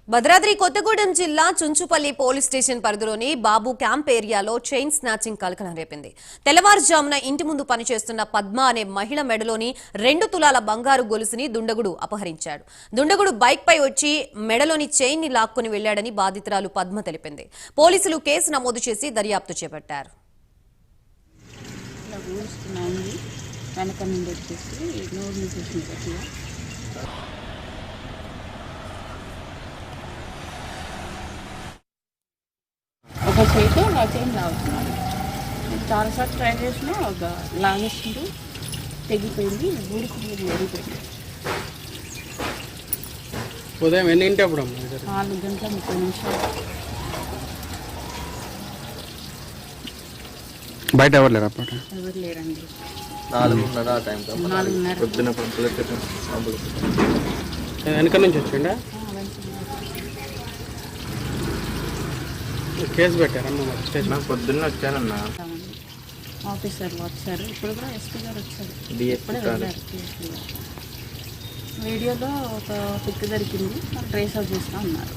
భద్రాద్రి కొత్తగూడెం జిల్లా Chunchupalli police station పరిధిలోని Babu camp ఏరియాలో చైన్ స్నాచింగ్ కలకలం రేపింది. తెల్లవారుజామున ఇంటి ముందు పనిచేస్తున్న పద్మ అనే మహిళ మెడలోని 2 తులాల బంగారు గొలుసుని దుండగుడు అపహరించాడు. దుండగుడు బైక్ పై వచ్చి మెడలోని చైన్ ని లాక్కొని వెళ్లాడని బాధితురాలు పద్మ తెలిపింది. పోలీసులు కేసు నమోదు చేసి దర్యాప్తు చేపట్టారు. ఒక చేతి నా చైన్ లాగుతున్నాడు. చాలాసార్లు ట్రై చేసినా ఒక లాగేసిండు, తెగిపోయింది, ఊరికి ఎరిగిపోయింది. ఉదయం ఎన్నింటి అప్పుడు 4:30 బయట ఎవరు లేరు అప్పుడు? ఎవరు లేరండి. 4:30 వెనక నుంచి వచ్చిండా? కేసు పెట్టారమ్మా స్టేషన్? పొద్దున్న వచ్చానన్నా. ఆఫీసర్లు వచ్చారు, ఇప్పుడు కూడా ఎస్పీ గారు వచ్చారు. ఇప్పుడే వెళ్ళారు. వీడియోలో ఒక పిక్ దొరికింది, ట్రేస్ అవుట్ చేస్తూ ఉన్నారు.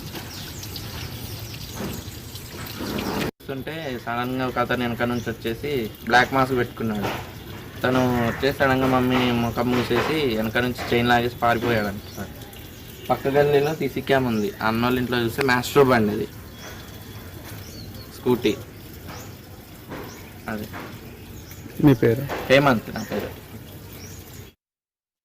చూస్తుంటే సడన్గా ఒక అతను వెనక నుంచి వచ్చేసి బ్లాక్ మాస్క్ పెట్టుకున్నాడు. తను వచ్చేసి సడన్గా మమ్మీ ముఖం మూసేసి వెనక నుంచి చైన్ లాగేసి పారిపోయాడు అంట. పక్క గల్లీలో సీసీ క్యామ్ ఉంది. అన్నోళ్ళ ఇంట్లో చూస్తే మ్యాస్ట్రో బండి అది, స్కూటీ. అది మీ పేరు? హేమంత్ నా పేరు.